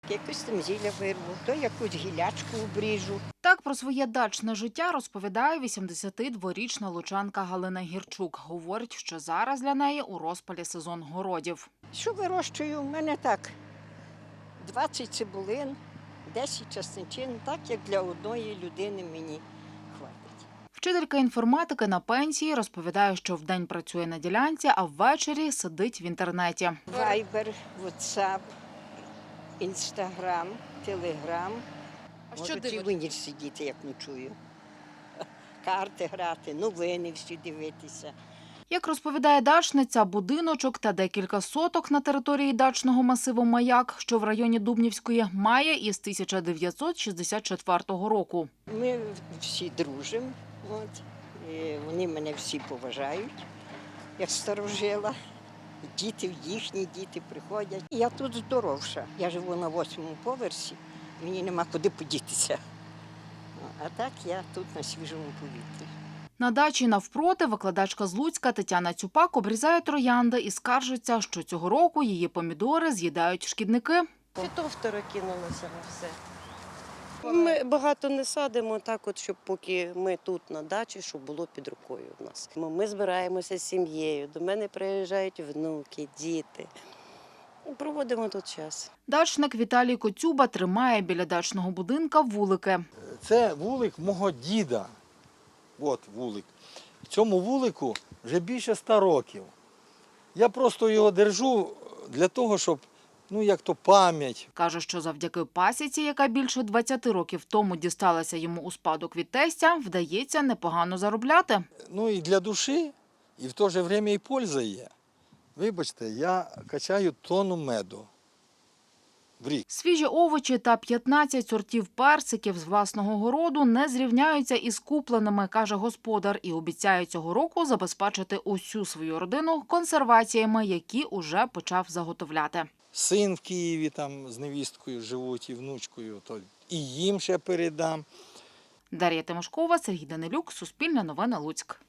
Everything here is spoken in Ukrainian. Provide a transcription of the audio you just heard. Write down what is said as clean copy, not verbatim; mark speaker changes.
Speaker 1: Якось там зілля вирву, то якусь гілячку обріжу.
Speaker 2: Так про своє дачне життя розповідає 82-річна лучанка Галина Гірчук. Говорить, що зараз для неї у розпалі сезон городів.
Speaker 1: Що вирощую? У мене так 20 цибулин, 10 часничин, так як для одної людини мені хватить.
Speaker 2: Вчителька інформатики на пенсії розповідає, що вдень працює на ділянці, а ввечері сидить в інтернеті.
Speaker 1: Вайбер, Ватсап, Інстаграм, Телеграм. Можу і в ніч сидіти, як ночую. Карти грати, новини всі дивитися.
Speaker 2: Як розповідає дачниця, будиночок та декілька соток на території дачного масиву «Маяк», що в районі Дубнівської, має із 1964 року.
Speaker 1: Ми всі дружимо, і вони мене всі поважають, як старожила. Діти, їхні діти приходять. Я тут здоровша. Я живу на 8-му поверсі, мені нема куди подітися. А так я тут на свіжому повітрі.
Speaker 2: На дачі навпроти викладачка з Луцька Тетяна Цюпак обрізає троянди і скаржиться, що цього року її помідори з'їдають шкідники.
Speaker 3: Фітофтора кинулося на все. Ми багато не садимо, так от, щоб поки ми тут на дачі, щоб було під рукою в нас. Ми збираємося з сім'єю, до мене приїжджають внуки, діти. І проводимо тут час.
Speaker 2: Дачник Віталій Коцюба тримає біля дачного будинка вулики.
Speaker 4: Це вулик мого діда. От вулик. В цьому вулику вже більше 100 років. Я просто його держу для того, щоб, як то пам'ять.
Speaker 2: Каже, що завдяки пасіці, яка більше 20 років тому дісталася йому у спадок від тестя, вдається непогано заробляти.
Speaker 4: І для душі, і в то же время і польза є. Вибачте, я качаю тонну меду в рік.
Speaker 2: Свіжі овочі та 15 сортів персиків з власного городу не зрівняються із купленими, каже господар, і обіцяє цього року забезпечити усю свою родину консерваціями, які уже почав заготовляти.
Speaker 4: Син в Києві там з невісткою живуть і внучкою, то і їм ще передам.
Speaker 2: Дар'я Тимошкова, Сергій Данилюк, Суспільне новини, Луцьк.